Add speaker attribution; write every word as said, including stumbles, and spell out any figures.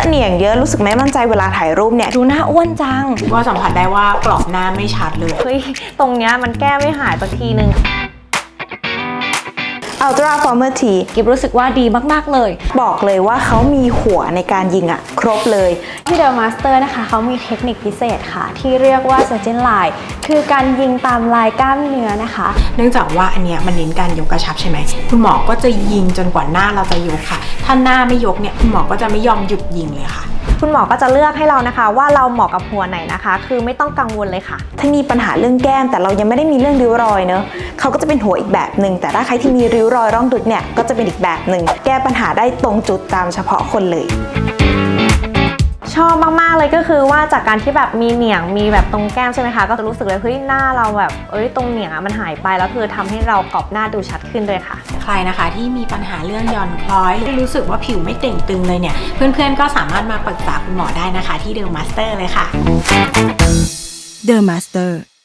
Speaker 1: เหนียงเยอะรู้สึกไม่มั่นใจเวลาถ่ายรูปเนี่ยดูหน้าอ้วนจัง
Speaker 2: ว่าสัมผัสได้ว่ากรอบหน้าไม่ชัดเลย
Speaker 3: เฮ้ยตรงเนี้ยมันแก้ไม่หายสักทีนึง
Speaker 1: Ultra Former T
Speaker 3: กิฟรู้สึกว่าดีมากๆเลย
Speaker 1: บอกเลยว่าเขามีหัวในการยิงอะครบเลย
Speaker 3: ที่ The Master นะคะเขามีเทคนิคพิเศษค่ะที่เรียกว่า Surgeon Line คือการยิงตามลายกล้ามเนื้อนะคะ
Speaker 2: เนื่องจากว่าอันเนี้ยมันเน้นการยกกระชับใช่ไหมคุณหมอก็จะยิงจนกว่าหน้าเราจะยกค่ะถ้าหน้าไม่ยกเนี่ยคุณหมอก็จะไม่ยอมหยุดยิงเลยค่ะ
Speaker 3: คุณหมอก็จะเลือกให้เรานะคะว่าเราเหมาะกับหัวไหนนะคะคือไม่ต้องกังวลเลยค่ะ
Speaker 1: ถ้ามีปัญหาเรื่องแก้มแต่เรายังไม่ได้มีเรื่องริ้วรอยเนอะเขาก็จะเป็นหัวอีกแบบหนึ่งแต่ถ้าใครที่มีริ้วรอยร่องดึกเนี่ยก็จะเป็นอีกแบบหนึ่งแก้ปัญหาได้ตรงจุดตามเฉพาะคนเลย
Speaker 3: ชอบมากๆเลยก็คือว่าจากการที่แบบมีเหนียงมีแบบตรงแก้มใช่ไหมคะก็จะรู้สึกเลยเฮ้ยหน้าเราแบบเอ้ยตรงเหนียงมันหายไปแล้วคือทำให้เรากรอบหน้าดูชัดขึ้นเลยค่ะ
Speaker 2: ใครนะคะที่มีปัญหาเรื่องหย่อนคล้อยรู้สึกว่าผิวไม่เต่งตึงเลยเนี่ยเพื่อนๆก็สามารถมาปรึกษาคุณหมอได้นะคะที่ The Master เลยค่ะ
Speaker 4: The Master